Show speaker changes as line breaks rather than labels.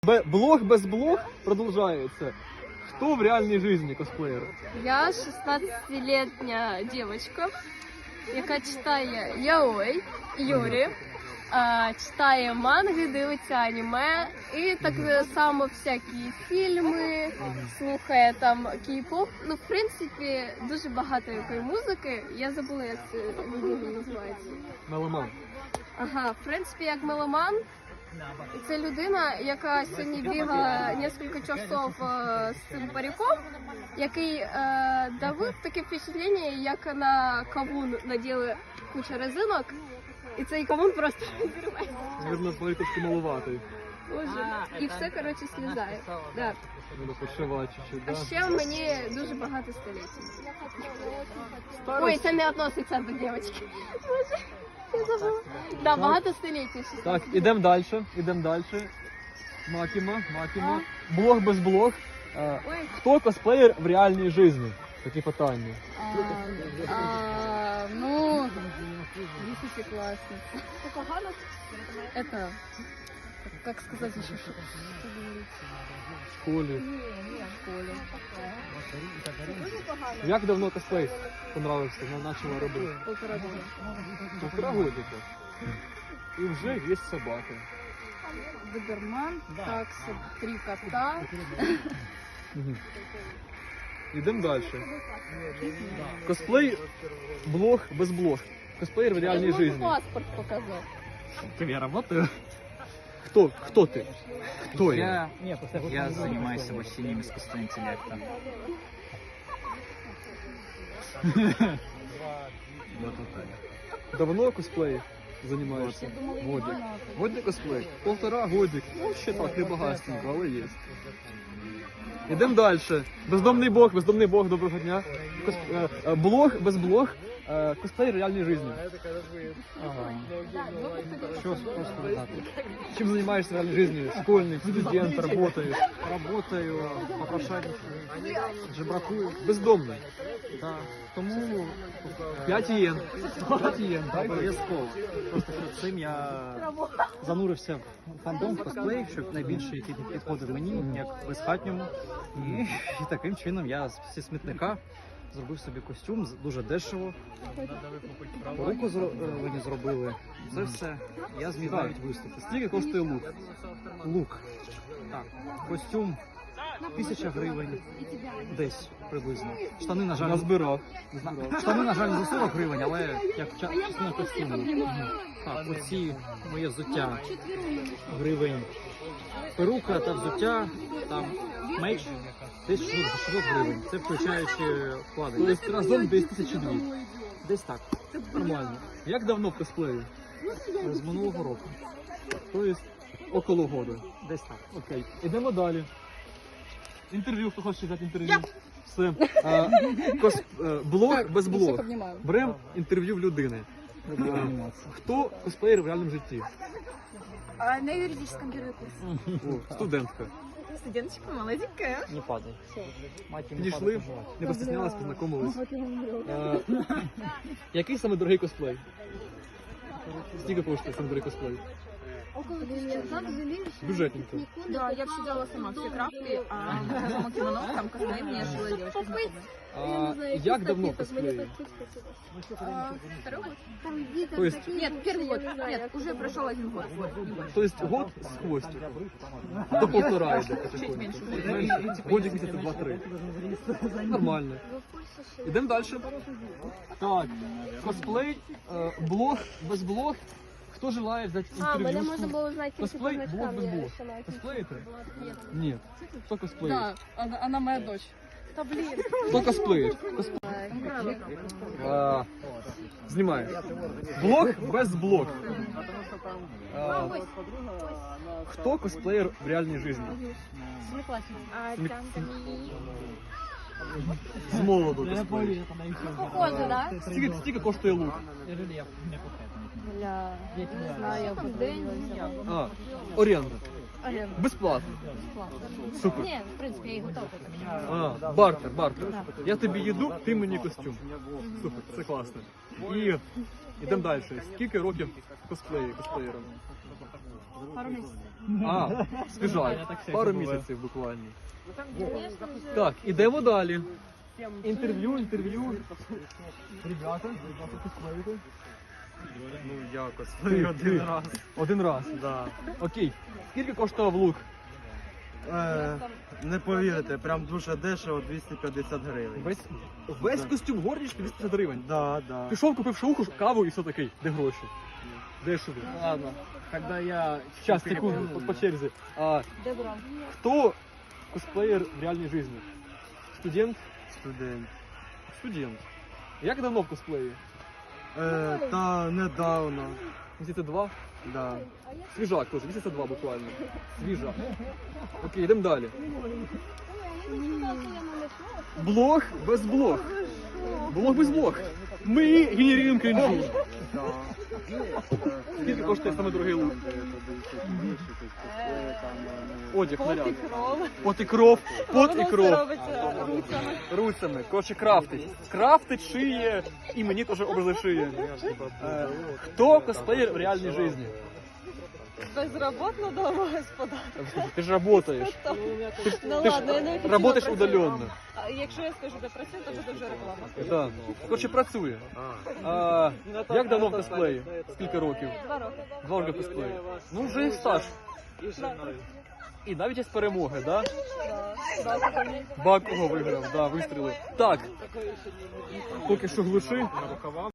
блог без блог продолжается. Кто в реальной жизни косплеер?
Я 16-летняя девочка, яка читає яой, Юрі, читає манги, дивиться аніме і так само всякі фільми, слухає там кей-поп. Ну, в принципі, дуже багато якої музики. Я забула, як це називається.
Меломан.
Ага, в принципі, як меломан. І це людина, яка сьогодні бігала кілька часов з цим париком, який давив таке впечатлення, як на кавун наділи кучу резинок, і цей кавун просто розірвається.
Наверное, твої трошки маловатий.
Боже. І все, коротше, слізає. Да.
Треба підшивати чуть-чуть,
А
да?
ще мені дуже багато століть. Ой, це не відноситься до дівчинки. Боже, я забула. Да, багато століть.
Так, ідемо далі, Макіма. Блог без блог. Хто косплеєр в реальній житті? Такі питання.
Ну, 10-классница. Это, как сказать еще, что
В школі.
в школе.
Як давно косплей понравився, почала робити?
Полтора года.
Полтора годика. І вже є собака.
Доберман, такса, 3 кота.
Ідемо далі. Косплей, блог без блог. Косплеєр в реальній
Я
житті.
могу паспорт показать.
Я работаю. Кто ты? Кто я?
Я занимаюсь обучением искусственного интеллекта. Вот так.
Давно косплей занимаешься? Годик. Годик косплей? Полтора годик. Ну, ще так, не багатенько, але є. Ідемо далі. Бездомний бог, доброго дня. Блог без блог. Косплей в реальній житті.
Что сказать?
Чим займаєшся в реальній житті? Школьник, студент, работаєш?
Работаю, попрошайник, жебракую.
Бездомний.
Да. Тому
5 єн. 5 єн, так?
обов'язково. Просто перед цим я занурився в фандом, в косплей, щоб найбільше який підходив мені, як безхатньому. І таким чином я зі смітника зробив собі костюм дуже дешево. Руку мені зробили. Це все. Я зміг навіть виступити.
Скільки коштує лук?
Лук. Так. Костюм 1000 гривень. Десь приблизно. Штани, на жаль,
Назбирав.
штани, на жаль, за 40 гривень, але як частина костюму. Так, оці моє взуття гривень. Перука та взуття, там меч десь 600 гривень. Це включаючи вкладення.
Тобто разом десь 1002.
Десь так.
Нормально. Як давно в косплеї?
З минулого року.
Тобто около года.
Десь так.
Окей. Ідемо далі. Інтерв'ю, хто хоче взяти інтерв'ю? Все. Блог без блог. Беремо інтерв'ю в людини. Хто косплеєр в реальному житті?
На юридическом первый курс.
О, студентка.
Студенточка молоденькая.
Не падай. Мать не
Підійшли, не постіснялась, познайомились. Який саме дорогий косплей? Скільки коштує саме дорогий косплей? Бюджетненько.
Да, я все делала сама, все крафты, а сама кимоно, там косплей мне шила девочка.
Як давно косплеї?
Второй год?
То есть,
Нет, первый год. Нет, уже прошел 1 год.
то есть год з хвостиком. До полтора йде
Чуть меньше.
потихоньку. Годик місяця 2-3. Нормально. Ідемо далі. Так, косплей, блог, без блог. Хто желає взяти інтерв'ю?
Мене можна було узнати тільки по
Косплей, блог
значкам.
без
Я
блог.
вирішила якось.
Косплеїте? Ні. Хто косплеїть?
Да, она моя дочь.
Та блін.
Хто косплеїть? Знімає. Блог без блог. Хто косплеєр в реальній житті? З молоду косплеїть.
Похоже, да?
Скільки коштує лук?
Бля, не знаю, в день.
Оренда.
Оренда.
Безплатно. Супер.
Ні, в принципі, я і готова.
Бартер. Я тобі їду, ти мені костюм. Супер, це класно. І йдемо далі. Скільки років косплеєром?
Пару місяців.
А, свіжак. Пару місяців буквально. Так, ідемо далі. Інтерв'ю. Ребята, косплеїте?
Ну, якось. Один раз.
Один раз.
Да.
Окей. Скільки коштував лук?
Не повірите, прям дуже дешево, 250 гривень.
Весь костюм горнички 250 гривень.
Да, да.
Пішов, купив шауху, каву і все такий. Де гроші? Де ж ви?
Ладно, когда я...
Сейчас, секунду, по черзі. А, хто косплеєр в реальній житті? Студент?
Студент.
Студент. Як давно в косплеї?
Та недавно,
Місяця 2?
да.
Свіжак теж, місяця 2 буквально. Свіжак. Окей, йдемо далі. Блог без блог. Блог без блог. Ми генеруємо крінжу. Скільки коштує саме дорогий лук? Одяг, наряд. Пот і кров. Пот і кров.
робиться руцями.
Руцями. Коротше, крафтить. Крафтить, шиє, і мені теж образи шиє. Хто косплеєр в реальній житті?
Безроботна домогосподарка.
Ти ж работаєш.
Ну
Ти ж
ладно, я не
работаєш удаленно.
А якщо я скажу, де працюю, то буде вже реклама.
Так. Коротше, працює. А, як давно в косплеї? Скільки років?
2 роки.
2 роки в косплеї. Ну, вже і стаж. І навіть є перемоги, да? Бакого виграв, да, вистрілив. Так. Поки що глуши.